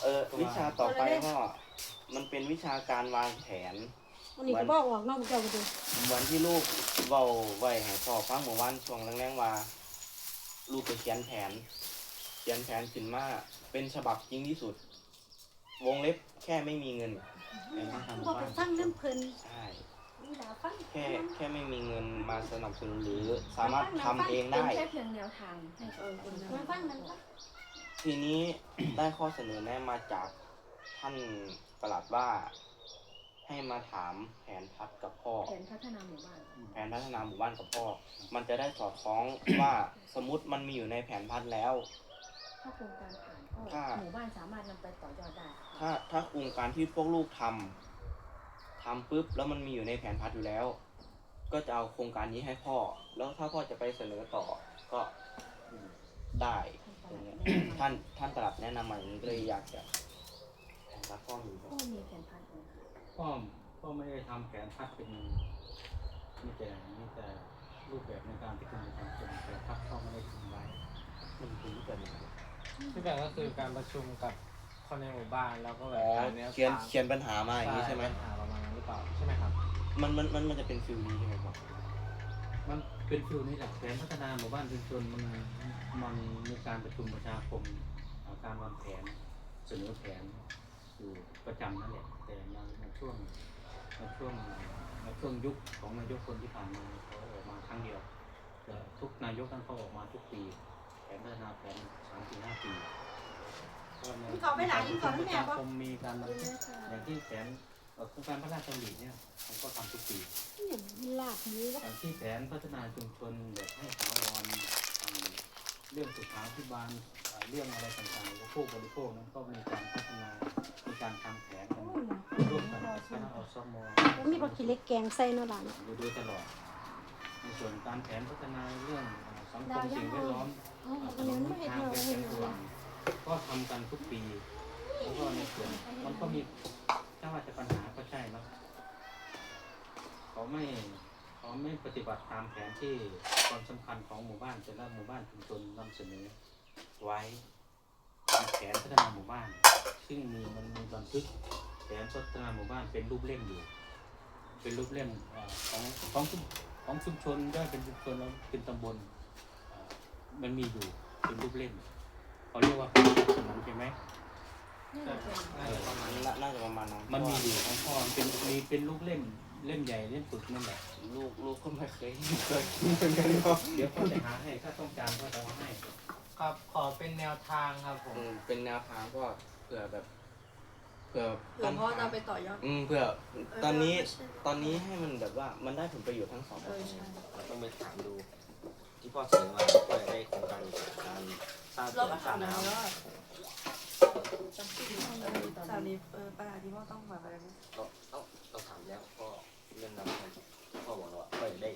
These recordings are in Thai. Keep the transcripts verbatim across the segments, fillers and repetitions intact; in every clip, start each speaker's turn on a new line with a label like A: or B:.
A: เออวิชาต่อไปก็มันเป็นวิชาการวางแผน
B: วันนี้ก็บอกออกนอกเจ้าไปดู
A: เหมือนที่ลูกเว้าไว้ให้พ่อฟังเมื่อวานช่วงแรงๆว่าลูกไปเขียนแผนเขียนแผนขึ้นมาเป็นฉบับจริงที่สุดวงเล็บแค่ไม่มีเงินในมาทำ
B: บอก
A: บ้า
B: ไป
A: น
B: ฟังน้ำเพลิน
A: ใช่
B: แค่
A: แค่ไม่มีเงินมาสนับสนุนหรือสามารถทำเองได้
C: แค่เพียงแนวทางให้เออคน
B: มันฟังมันฟัง
A: ทีนี้ ได้ข้อเสนอแนะมาจากท่านปลัดว่าให้มาถามแผนพัฒกับพ่อ
C: แผนพัฒนาหมู่บ้าน
A: แผนพัฒนาหมู่บ้านกับพ่อ มันจะได้สอดคล้อง ว่าสมมติมันมีอยู่ในแผนพัฒแล้ว
C: ถ้าโครงการผ่านก็หมู่บ้านสามารถนำไปต่อยอดได้
A: ถ้าถ้าโครงการที่พวกลูกทำทำปุ๊บแล้วมันมีอยู่ในแผนพัฒอยู่แล้ว ก็จะเอาโครงการนี้ให้พ่อ แล้วถ้าพ่อจะไปเสนอต่อก็ได้ท่านท่านตรัสแนะนำมาอย่างนี้เลยอยากจะรับพ่อมี
C: พ่อมีแผนพัฒน์
D: พ่อพ่อไม่ได้ทำแผนพัฒเป็นมีแต่มีแต่รูปแบบในการที่คุณจะทำเป็นแผนพัฒพ่อไม่ได้ทำไว้
A: มันเป็นรูปแบบไหน
E: ที่แบบก็คือการประชุมกับคนในหมู่บ้านแล้วก็แบ
A: อ๋
E: บ
A: อ
E: การเนี้ย
A: เขียนเขียนปัญหามาอย่างนี้ใช่ไหม
E: ปัญหาประมาณนั้นหรือเปล่าใช่ไหมครับ
A: มันมันมันมันจะเป็นฟิลนี้ใช่ไหมครับ
D: มันเป็นฟิวนี้แหละแผนพัฒนาหมู่บ้านชุมชนมันมันมีการประชุมประชาคมการวางแผนเสนอแผนอยู่ประจำนั่นแหละแต่ในช่วงในช่วงในช่วงยุคของนายกคนที่ผ่านมาเขาออกมาครั้งเดียวแต่ทุกนายกท่านเขาออกมาทุกปีแผนพัฒนาแผนสามปีห้าปีก็ในการประชุมประชาคมมีการบันทึกอย่างที่แผนโครงการพระราชดำริเนี่ยเขาก็ทำทุกปี
B: อย่างลากนี้ก็
D: ที่แผนพัฒนาชุมชนแบบให้ถาวรเรื่องสุขาภิบาลเรื่องอะไรต่างๆของผู้บริโภคนั้นก็มีการพัฒนามีการทำแผนกันร่วมกันคณะอสม
B: แล้วมีปลาขี้เล็กแกงใส่เนาะหลาน
D: อยู่โดยตลอดในส่วนการแผนพัฒนาเรื่องสังคมสิ่งแวดล้อมถนนทางเป็นเป็นส่วนก็ทำกันทุกปีแล้วก็ในส่วนมันก็มีถ้าว่าจะปัญหาก็ใช่เนาะเขาไม่เขาไม่ปฏิบัติตามแผนที่ความสำคัญของหมู่บ้านแต่ละหมู่บ้านชุมชนนำเสนอไว้แผนพัฒนาหมู่บ้านซึ่งมีมันมีบันทึกแผนพัฒนาหมู่บ้านเป็นรูปเล่มอยู่เป็นรูปเล่มของของของชุมชนย่อยเป็นชุมชนแล้วเป็นตำบลมันมีอยู่เป็นรูปเล่มเขาเรียกว่าแผนพัฒนาใช่ไหม
A: ประมาณน่าจะประมาณนั้น
D: มันมีอยู่ของพ่อเป็นมีเป็นรูปเล่มเล่มใหญ่เล่มปึกนั่นแหละ
A: ลูกลูกก็ไม่เคยเคยกินเหมือนกันเนาะ
D: เดี๋ยวพ่อจะหาให้ถ้าต้องการพ่อจะเอาให้
E: ครับขอเป็นแนวทางครับผม
A: อืมเป็นแนวทางก็เผื่อแบบเผื่อ
C: เผื่อพ่อจะไปต่อยอด
A: อืมเผื่อตอนนี้ตอนนี้ให้มันแบบว่ามันได้ผลประโยชน์ทั้งสอง
C: เออใช่
F: เราต้องไปถามดูที่พ่อเสนอมาเพื่อได้โครงการการสร้าง
C: เราก็
F: สร้า
C: ถาง มแล้ว
F: น้ำ
C: ว่าจำเป็นต้องอะไรตอน
G: สาว
C: นี้
G: นี้เออปัญหาที่พ่อต้องแบบอะไรไหม
F: ต้องต้องต้องถามแล้วพ่อเรื่องน้ำพ่อบอกแล้วว่าพ่อจะได้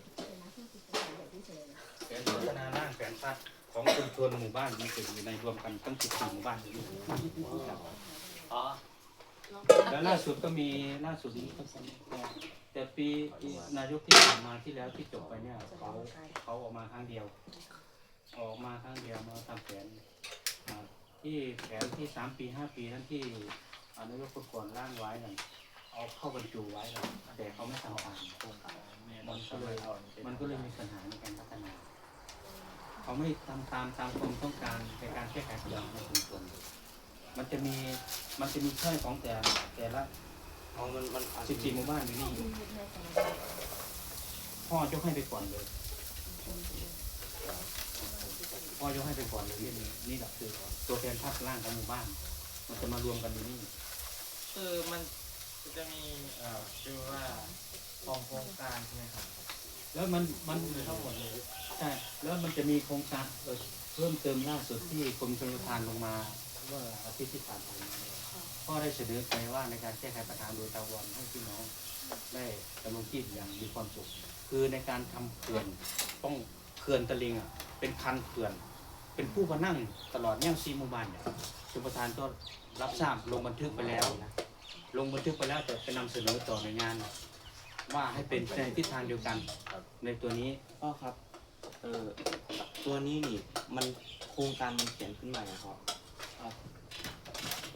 D: แผนพัฒนาด้านแผนพัฒน์ของชุมชนหมู่บ้านมันเป็นอยู่ในรวมกันทั้งสิบสี่หมู่บ้านอยู่
F: อ๋อ
D: แล้วล่าสุดก็มีล่าสุดนี้ก็แต่ปีนายกที่ผ่านมาที่แล้วที่จบไปเนี่ยเขาเขาออกมาครั้งเดียว ออกมาครั้งเดียวมาทำแผนที่แผนที่สามปีห้าปีนั้นที่นายกคนก่อนร่างไว้นั่นเอาเข้าบรรจุไว้แล้วแต่เขาไม่ทำตามโครงการมันก็เลยมันก็เลยมีปัญหาในการพัฒนาเขาไม่ทำตามตามความต้องการในการแก้ไขปัญหาในชุมชนมันจะมีมันจะมีช่อยของแต่แต่ละ
A: เอามันมันอาจ
D: สิบสี่หมู่บ้านอยู่นี่พ่อยกให้ไปก่อนเลยพ่อยกให้ไปก่อนเลยเรื่องนี้นี่แหละคือตัวแทนภาคล่างของหมู่บ้านมันจะมารวมกันอยู่นี่
E: คือมันจะมีเอ่อชื่อว่าของโครงการใช่ไหมครับ
D: แล้วมันมัน
E: ทั้งหมดเลย
D: ใช่แล้วมันจะมีโครงการเอ่อเพิ่มเติมล่าสุดที่กรมชลประทานลงมาเมื่ออาทิตย์ที่ผ่านมาพ่อได้เสนอไปว่าในการแก้ไขปัญหาโดยตะวันให้พี่น้องได้ดำรงชีพอย่างมีความสุขคือในการทำเขื่อนต้องเขื่อนตะลิงอ่ะเป็นคันเขื่อนเป็นผู้มานั่งตลอดเนี่ยซีหมู่บ้านเนี่ยชลประทานก็รับทราบลงบันทึกไปแล้วนะลงบันทึกไปแล้วแต่ไปนำเสนอต่อในงาน ว่าให้เป็นในทิศทางเดียวกันในตัวนี้
A: พ่อครับเออตัวนี้นี่มันโครงการมันเขียนขึ้นมาอย่างครับ
D: ตัวไหน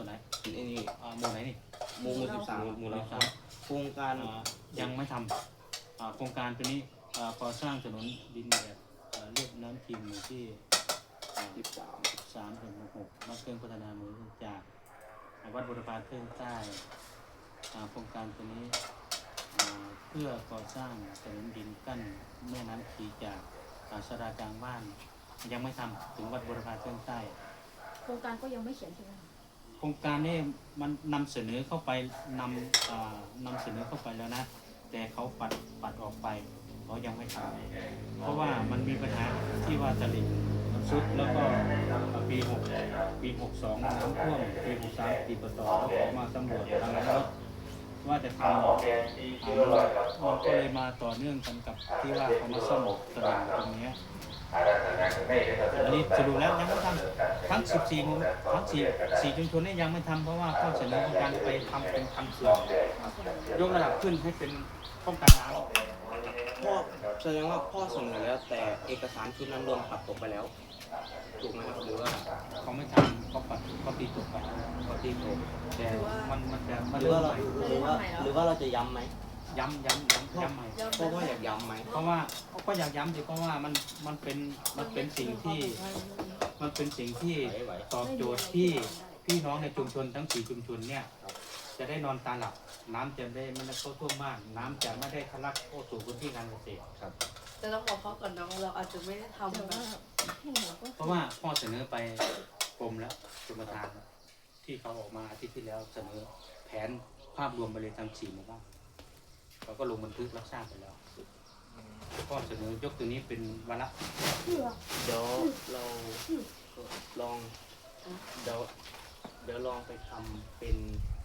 A: ไอ้นี่
D: อ่าหมู่ไหนนี่
A: หมู่หมู่สิบสาม
D: หมู่เราสาม
A: โครงการ
D: อ่ายังไม่ทำอ่าโครงการตัวนี้อ่าก่อสร้างถนนดินแบบอ่าเรียบน้ำทิมหมู่ที่อ่า
A: สิบสาม
D: สามถึงหกนักเครื่องพัฒนาหมู่จากวัดบุรพาเครื่องใต้อ่าโครงการตัวนี้อ่าเพื่อก่อสร้างถนนดินกั้นแม่น้ำขีจากอ่าสรากลางบ้านยังไม่ทำถึงวัดบุรพาเครื่องใต้
C: โครงการก็ยังไม่เขียนใช่ไหมคะ
D: โครงการนี้มันนำเสนอเข้าไปนำอ่านำเสนอเข้าไปแล้วนะ แต่เขาปัดปัดออกไปเขายังไม่ทำเพราะว่ามันมีปัญหาที่ว่าตลิ่งมันซุดแล้วก็ปีหกปีหกสองน้ำท่วมปีหกสามปีปตแล้วเขามาสำรวจทางรถว่าจะทำอ่ามันก็เลยมาต่อเนื่องกันกับที่ว่าเขามาซ่อมตลิ่งตรงเนี้ยอันนี้สรุปแล้วยังไม่ทำทั้งสิบสี่หมู่ทั้งสี่สี่ชุมชนนี่ยังไม่ทำเพราะว่าข้อเสนอของการไปทำเป็นทำเขื่อนยกระดับขึ้นให้เป็นป้องกันน้ำ
A: พ่อแสดงว่าพ่อเสนอแล้วแต่เอกสารชุดนั้นโดนปัดตกไปแล้วถูกไหมครับหรือว่า
D: เขาไม่ทำเขาปัดเขาตีตกไป
A: เขาตีตก
D: แต่มันมันจะมัน
A: หรือ
D: เริ่ม
A: ว่า
D: ให
A: เรา
D: ม่
A: หรือว่าหรือว่าเราจะย้ำไหม
D: ย้ำย้ำย้ำย้ำใหม่
A: พ่อพ่ออยากย้ำไหม
D: เพราะว่าก็อยากย้ำสิเพราะว่ามันมันเป็นมันเป็นสิ่งที่มันเป็นสิ่งที่ตอบโจทย์ที่พี่น้องในชุมชนทั้งสี่ชุมชนเนี่ยจะได้นอนตาหลับน้ำจะได้ไม่ได้เข้าท่วมบ้านน้ำจะไม่ได้ทะลักเข้าสู่พื้นที่การเกษตร
G: แต่ต้องบอกเขาก่อนนะว่าเราอาจจะไม่ได้ทำ
C: แต่ว่า
G: นะ
C: ให้หนูก็
D: เพราะว่าพ่อเสนอไปกรมแล้วกรมธรรม์ที่เขาออกมาอาทิตย์ที่แล้วเสนอแผนภาพรวมไปเลยทั้งสี่หมู่บ้านเขาก็ลงบันทึกรับทราบไปแล้วพ่อเสนอยกตัวนี้เป็นวาระ
A: เดี๋ยวเราลองเดี๋ยวเดี๋ยวลองไปทำเป็น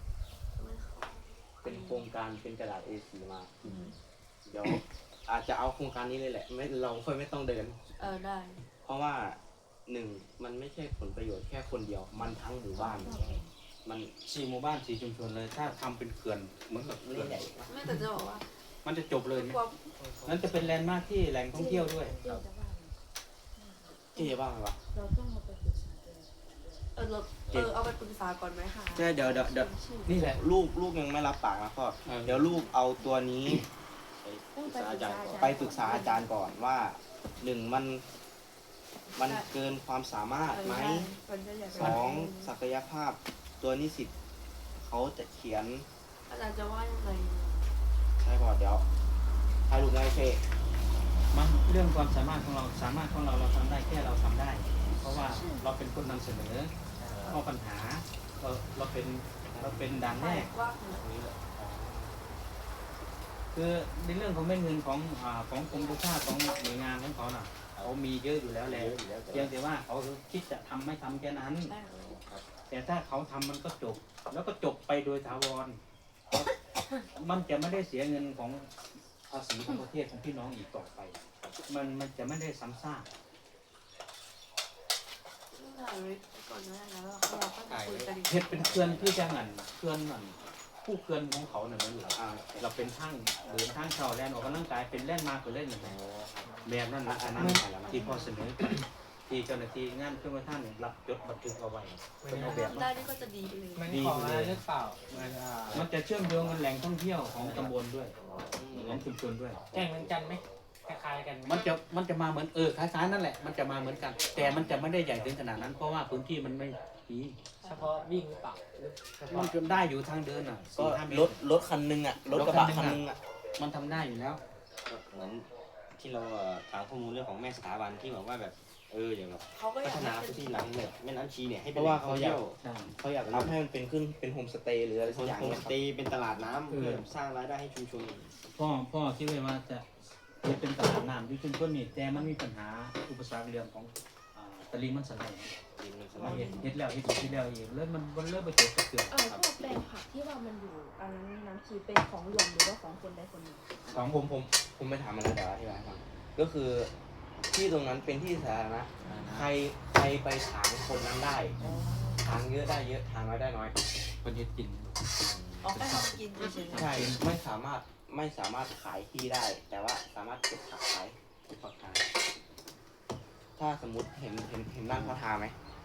A: เป็นโครงการเป็นกระดาษ เอ โฟร์ มา เดี๋ยวอาจจะเอาโครงการนี้เลยแหละไม่เราค่อยไม่ต้องเดิน
G: เออได้
A: เพราะว่าหนึ่งมันไม่ใช่ผลประโยชน์แค่คนเดียว มันทั้งหมู่บ้าน มัน
D: สี่หมู่บ้านสี่ชุมชนเลย ถ้าทำเป็นเขื่อนเหมือนกับเขื่
A: เล่
D: อน
A: นใหญ่
G: ไม่แต่จะบอกว่า
D: มันจะจบเลยเนี่ย
G: ความ
D: นั่นจะเป็นแลนด์มาร์คที่แหล่งท่องเที่ยวด้วย
C: เจ๊จะว่า
A: เจ๊บ้างไหมวะ
C: เราต้องมาไปศึกษากัน
G: เออเราเออเอาไปปรึกษาก่อนไหมคะ
A: ใช่เดี๋ยวเดี๋ยวเดี๋ยว
D: นี่แหละ
A: ลูกลูกยังไม่รับปากนะพ่อ
D: เออ
A: เดี๋ยวลูกเอาตัวนี้
C: ต้องไปศึกษา
A: ไปปรึกษาอาจารย์ก่อนว่าหนึ่งมันมันเกินความสามารถไหม
G: มันก็อยาก
A: สองศักยภาพตัวนิสิตเขาจะเขียน
G: อาจารย์จะว่ายังไง
A: ใช่ป่ะเดี๋ยวให้ลูกไม่เพ่
D: มันเรื่องความสามารถของเราสามารถของเราเราทำได้แค่เราทำได้ เพราะว่าเราเป็นคนนำเสนอข้อปัญหาเราเราเป็นเราเป็นด่านแรก
G: กว้างหน่อย
D: คือในเรื่องของเม็ดเงินของอ่าของกรมประชาของหน่วยงานของเขาน่ะเขามีเยอะอยู่แล้วแหละเพียงแต่ว่าเขาคิดจะทำไม่ทำแค่นั้น
G: ได้
D: แต่ถ้าเขาทำมันก็จบ แล้วก็จบไปโดยถาวร มันจะไม่ได้เสียเงินของภาษีของประเทศของพี่น้องอีกต่อไป มันมันจะไม่ได้ซ้ำซาก
G: ถ่ายไว้ก่อนนะแล้วเราก็คุยกันอีก
D: เห็ดเป็นเคลื่อนที่จะหันเคลื่อนนั่นผู้เคลื่อนของเขาเนี่ยมันอยู่
A: อ่า
D: เราเป็นทั้งเดินทางเข่าแลนออกกำลังกายเป็นแล่นมาเป็นเล่นอย่างไรแบบนั้นลักษณะที่พอเสนอที่เจ้าหน้าที่งานเครื่องมือท่านรับจดบันทึกเอาไว้เป็นเอาแบบ
G: ได้นี่ก็จะดีเลย
E: มันของอะไรหรือเปล่ามันอ่า
D: มันจะเชื่อมโยงกับแหล่งท่องเที่ยวของตำบลด้วยของชุมชนด้วย
E: แจ้งเหมือนกันไหมคล้ายๆกันไหม
D: มันจะมันจะมาเหมือนเออคล้ายๆนั่นแหละมันจะมาเหมือนกัน แต่มันจะไม่ได้ใหญ่ถึงขนาดนั้น เพราะว่าพื้นที่มันไม่มี
E: เฉพาะวิ่งหรือเปล่าหรือเฉ
D: มั
E: พาะ
D: นจะได้อยู่ทางเดินอ่ะ
A: ก็
D: สี่ห้าเม
A: ร
D: ต
A: ถ
D: ร
A: รถคันหนึงอ่ะรถกระบะคันหนึงอ่ะ
D: มันทำได้อยู่แล้ว
F: เหมือนที่เราเอ่อถามข้อมูลเรื่องของแม่สถาบันที่บอกว่าแบบเอออย่างแบบ
G: เขาก็อ
F: พั
G: ยาก
F: ฒนา
G: ให้
F: พื้น
G: เป็น
F: ที่หลังแบบแม่น้ำชีเนี่ยให้
A: เพ
F: เป็น
A: ราะว่า
F: แหล่ง
A: เขา
F: ท่อง
A: อยาก
F: เที่ยว
D: ใช่
A: เขาอยากทำให้มันเป็นขึ้นเป็นโฮมสเตย์หรืออะไรสักอย่าง
F: โฮม
A: เนี่ย
F: สเตย์เป็นตลาดน้ำเพื่อสร้างรายได้ให้ชุมชน
D: พ่อพ่อคิดไว้ว่าจะจะเป็นตลาดน้ำที่ชุมชนนี่แต่มันมีปัญหาอุปสรรคเรื่องของอ่าตะลิงมันสไลด์
F: ดินมันส
D: เรา
F: ลาย
D: เห็นเห็ดแล้วเห็ดอีกเห็ดแล้วอีกแล้วมันมันเริ่มไปจบกับเกลือ
C: เออพวกแปลงผักที่ว่ามันอยู่อันนั้นน้ำชีเป็นของหลวงหรือว่าของคนใดคนหนึ่ง
A: ของผมผมผมไม่ถามมันแล้วเดี๋ยวอธิบายให้ฟังก็คือที่ตรงนั้นเป็นที่สาธารณะใครใครไปถางคนนั้นได้ถางเยอะได้เยอะถางน้อยได้น้อย
D: คนเห็ดกิน
G: ออกไปทำกินเฉยๆ
A: ใช่ไม่สามารถไม่สามารถขายที่ได้ แต่ว่าสามารถเก็บผักขายเก็บผักขายถ้าสมมติเห็นเห็นเห็นบ้านเขาทาไหม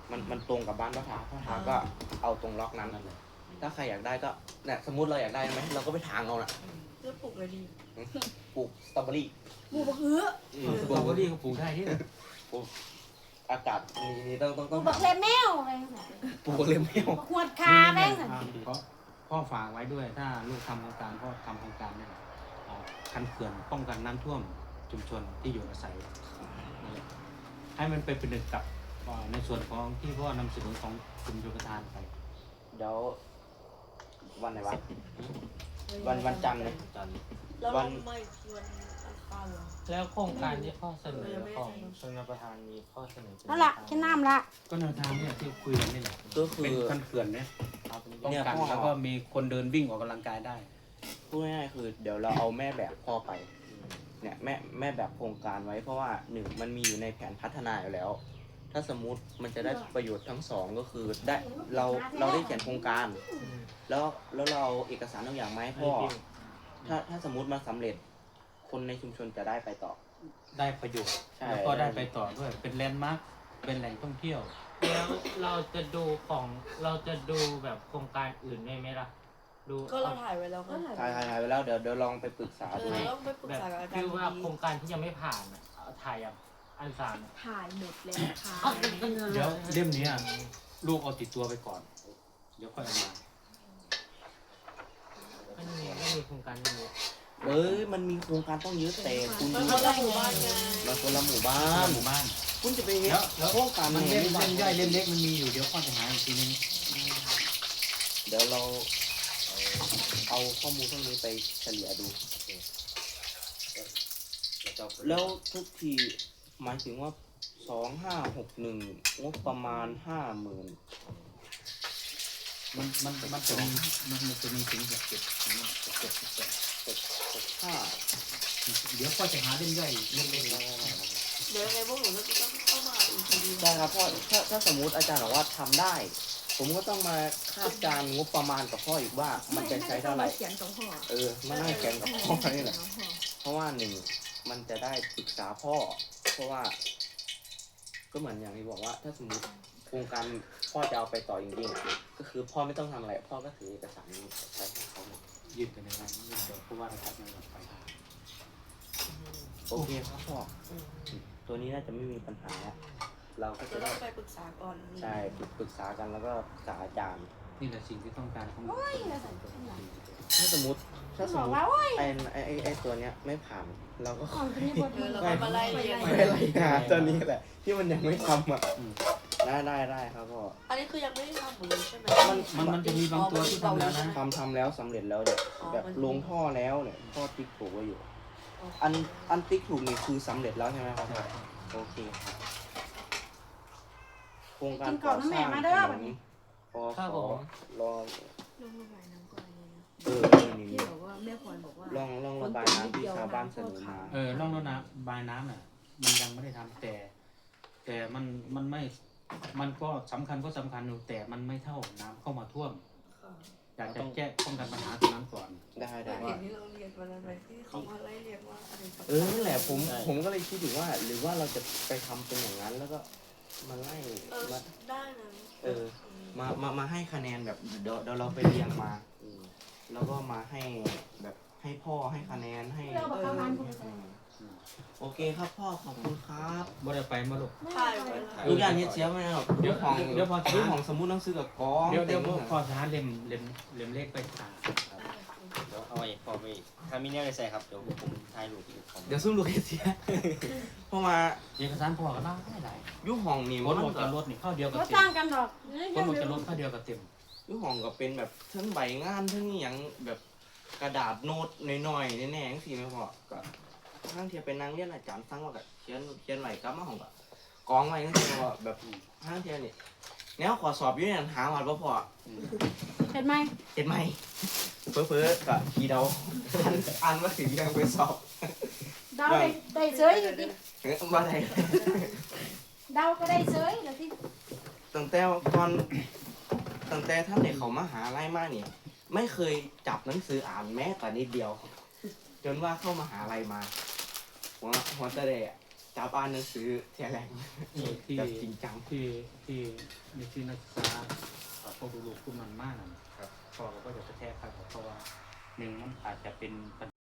A: มันมันตรงกับบ้านพ่อทาพ่อทาก็เอาตรงล็อกนั้น
D: นั่นแหละ
A: ถ้าใครอยากได้ก็เนี่ยสมมติเราอยากได้ไหมเราก็ไปถางเอาน่ะ
G: เลือกปลูกเลยดี
A: ปลูกสตรอเบอรี่
B: หมูบักเอื้อ
D: สตรอเบอรี่ก็ปลูกได้ที่
A: อากาศนี่นี่ต้องต้อง
B: ห
A: ต้
B: มู
A: อง
B: บักเลแมวอะไรนั่นน่ะ
A: ปลูกเลยไม่เอา
B: บักหวดขาแม่งน่ะ
D: เพราะพ่อฝากไว้ด้วยถ้าลูกทำโครงการพ่อทำโครงการเนี่ยอ่าคันเขื่อนป้องกันน้ำท่วมชุมชนที่อยู่อาศัยนี่แหละให้มันไปเป็นหนึ่งกับอ่าในส่วนของที่พ่อนำเสนอของกลุ่มโยธทานไป
A: เดี๋ยววันไหนวะ วันวันจันทร์เลย
F: จันทร์
G: แล้ว
A: วั
G: เรา
A: น
G: ไม่วันอังคารเหรอ
E: แล้วโครงการที่ข้อเสนอของชนประธานมีข้อเสนอเป็น
B: นั่นละแค่น้ำละ
D: ก็แนวทางเนี่ยที่คุยกันนี่แหละ
A: ก็คื
D: เป็น
A: อ
D: คันเขื่อนเนี่ย
E: เอาเป็น
D: ป้อง
A: เนี่ย
D: กัน
A: พ่อ
D: แล้วก็มีคนเดินวิ่งออกกำลังกายได้
A: พูดง่ายๆคือเดี๋ยวเราเอาแม่แบบพ่อไปเนี่ยแม่แม่แบบโครงการไว้เพราะว่าหนึ่งมันมีอยู่ในแผนพัฒนาอยู่แล้ว ถ้าสมมุติมันจะได้ประโยชน์ทั้งสองก็คือได้เราเราได้เขียนโครงการ แล้วแล้วเราเอาเอกสารทุกอย่างมาให้พ่อ ถ้าถ้าสมมุติมาสำเร็จ คนในชุมชนจะได้ไปต่อ
D: ได้ประโยชน์
A: ใช่
D: แล้วก็ได้ไปต่อด้วยเป็นแลนด์มาร์คเป็นแหล่งท่องเที่ยว
E: แล้วเราจะดูของเราจะดูแบบโครงการอื่นได้ไหมล่ะ ดู
G: ก็เราถ่ายไว้แล้ว
C: ก็
G: ไง
C: ถ่าย
A: ถ่ายถ่ายถ่ายไปแล้วเดี๋ยวเดี๋ยวลองไปปรึกษา
G: เอ
A: ดู
G: อเราต้องไปปรึก
E: แบบ
G: ษากับอาจาร
E: คือ
G: ย์
E: ว่า
G: ดี
E: โครงการที่ยังไม่ผ่านอะเอาถ่ายอย่างอันสาม
C: ถ่ายหมดแล้วค่ะ
D: เดี๋ยวเล่มนี้ลูกเอาติดตัวไปก่อน เดี๋ยวค่อยเอามา
E: ก็มีก็มีโครงการนี้
A: เอ้ยมันมีโครงการต้องเยอะแต่คุณ
G: มัน
A: ดู
G: คนละหมู่บ้านไง
A: เราคนละหมู่บ้าน
D: หมู่บ้าน
A: คุณจะไปเห็น
D: แล้วแล้ว
A: โครงการ
D: มัน
A: ไห
D: เล่ม
A: บ้า
D: เล่มย่อยเล่มเล็กมันมีอยู่เดี๋ยวพ่อจะหาอีกทีนึง
A: เดี๋ยวเราเอาข้อมูลพวกนี้ไปเฉลี่ยดู
F: แล้วก็
A: แล้วทุกทีหมายถึงว่าสองห้าหกหนึ่งงบประมาณห้าหมื่น
D: มันมันมันจะมีมันมันจะมีถึงหกเจ็ดนะหกเจ็ดสิบแปด
A: หกห้า
D: เดี๋ยวพ่อจะหาเล่มย่อยเล่มเล็ก
G: เดี๋ยวยังไงพวกหนูก็ต้องเข้ามาอีกทีดี
A: ได้ครับพ่อถ้าถ้าสมมุติอาจารย์บอกว่าทำได้ ผมก็ต้องมาคาดการณ์งบประมาณกับพ่ออีกว่ามันจะใช้เท่าไหร่
C: เขียนสองห่อ
A: เออมานั่งแข่งกับพ่อนี่แหละ เพราะว่าหนึ่งมันจะได้ปรึกษาพ่อ เพราะว่า ก็เหมือนอย่างที่บอกว่า ถ้าสมมติโครงการพ่อจะเอาไปต่อจริงๆก็คือพ่อไม่ต้องทำอะไร พ่อก็ถือเอกสารนี้ใช้ให้เขาหมด
D: ยื่นไปในนั้นยื่นเดี๋ยวผู้ว่าราชการจังหวัดไป
A: โอเคครับพ่อตัวนี้น่าจะไม่มีปัญหาแล้วเราก็
G: จะ
A: จะ
G: ต้
A: ได้
G: องไปปรึกษาก่อน
A: ใช่ปรึกษากันแล้วก็ปรึกษาอาจารย์
D: นี่แหละสิ่งที่ต้องการของ
A: ถ้าสมมติถ้าสม
B: บอก
A: มติ
B: ว่าโอ้ย
A: ไอ้ไอ้ไอ้ไอ้ตัวเนี้ยไม่ผ่าน เราก็
B: ของเป็นบท
G: เออเราก็มาไล่เรียง
A: ไม่ไรหาตัวนี้แหละ ที่มันยังไม่ทำอ่ะได้ได้ได้ครับพ่อ
G: อันนี้คือยังไม่ได้ทำหมดเลยใช่ไหม
A: มัน
D: มันมันจะมีบางตัวที่ทำแล้วนะ
A: ทำทำแล้วสำเร็จแล้วเนี่ย
G: อ๋อ
A: แบบ
G: มัน
A: ลงท่อแล้วเนี่ยท่อติ๊กถูกไว้อยู่
G: อ๋ออั
A: อันอันติ๊กถูกนี่คือสำเร็จแล้วใช่ไหมครับพ่อโอเคครับโครงการก่อสร้างถนนปอสรอ
C: ลงระบายน้ำก่อนเลยนะ
A: เออนี่
C: ที่
A: นี่
C: บอกว่าแม่พรบอกว่า
A: ลองลองระบายน้ำที่ชาวบ้านเสนอมา
D: เออร่องรถน้ำบายน้ำน่ะมันยังไม่ได้ทำแต่ แต่มันมันไม่มันก็สำคัญก็สำคัญอยู่แต่มันไม่เท่าน้ำเข้ามาท่วม อยากจะแก้ป้องกันปัญหาตรงนั้นก่อน
A: ได้ได้
G: เห็นที่เราเรียนวันนั้นไหมที่เขามาไล่เรียงว่าอะไรกับ
A: เออนั่นแหละผมผมก็เลยคิดอยู่ว่า หรือว่าเราจะไปทำเป็นอย่างนั้น แล้วก็มาไล่
G: เออ
A: มา
G: ได้นะ
A: เออ มามามาให้คะแนนแบบเดี๋ยวเดี๋ยวเราไปเรียงมา
F: อืม
A: แล้วก็มาให้แบบให้พ่อให้คะแนนให้
B: เราบอกประมาณ
A: อืมโอเคครับพ่อขอบคุณครับ
D: บ่ได้ไปมาลูก
G: ถ่ายไว้แล้ว
A: ลูกอย่างนี้เสียไม่ได้หรอก
D: เดี๋ยว
A: ของ
D: เดี๋ยวพอ
A: เรื่องของสมุดหนังสือกับกอง
D: เดี๋ยวเดี๋ยว
A: ต็ม
D: พอสหาเล่มเล่มเล่มเลขไปตา
F: เดี๋ยวเอาไว้พอไปถ้ามีเนี่ยไปใส่ครับเดี๋ยวผมถ่ายรูปอีกของ
A: เดี๋ยวซุ่มลูกให้เสีย เพราะว่า
D: เอกสารพอก็ได้หลาย
A: อยุห้องนี่
D: ค
A: มัน น
D: ออกจากรถนี่เข้าเดียวกับ
B: ก็
D: เต็
B: ต่าง
D: ม
B: กันดอก
D: คนออกจากรถเข้าเดียวกับเต็ม
A: อยุห้องก็เป็นแบบทั้งใบงานทั้งอหย่างแบบกระดาษโน้ตหน่อยๆแน่ๆจังซี่แม่พ่อก็ทั้งเทียเป็นนางเรียนอาจารย์ฟังว่าก็เขียนเขียนไหลกลับมาห้องก็กองไว้จังซี่แม่พ่อแบบทั้งเทียนี่แนวขอสอบอยู่เนี่ยหาหวัดบ่พอ
B: เห็นไหม
A: เห็นไหมเพ้อๆก็ขี้เดาอันอันว่าถึงยังไปสอบ
B: เดาได้ได้เฉยอยู่ดิ
A: เอ้ยว่าไง
B: เดาก็ได้เฉยแล้วที่
A: ตั้งแต่ก่อนตั้งแต่ท่านเด็กเขามาหาไล่มาเนี่ยไม่เคยจับหนังสืออ่านแม้แต่นิดเดียว จนว่าเข้ามาหาลัยมาหัวหัวจะเดะจับอ่านหนังสือเทียแรง
D: ที่
A: แบบจริงจัง
D: ที่ที่ในที่นักศึกษาเอ่อพวกลูกๆพวกมันมากนะครับ พ่อเราก็จะกระแทกครับเพราะว่าหนึ่งมันอาจจะเป็นปัญ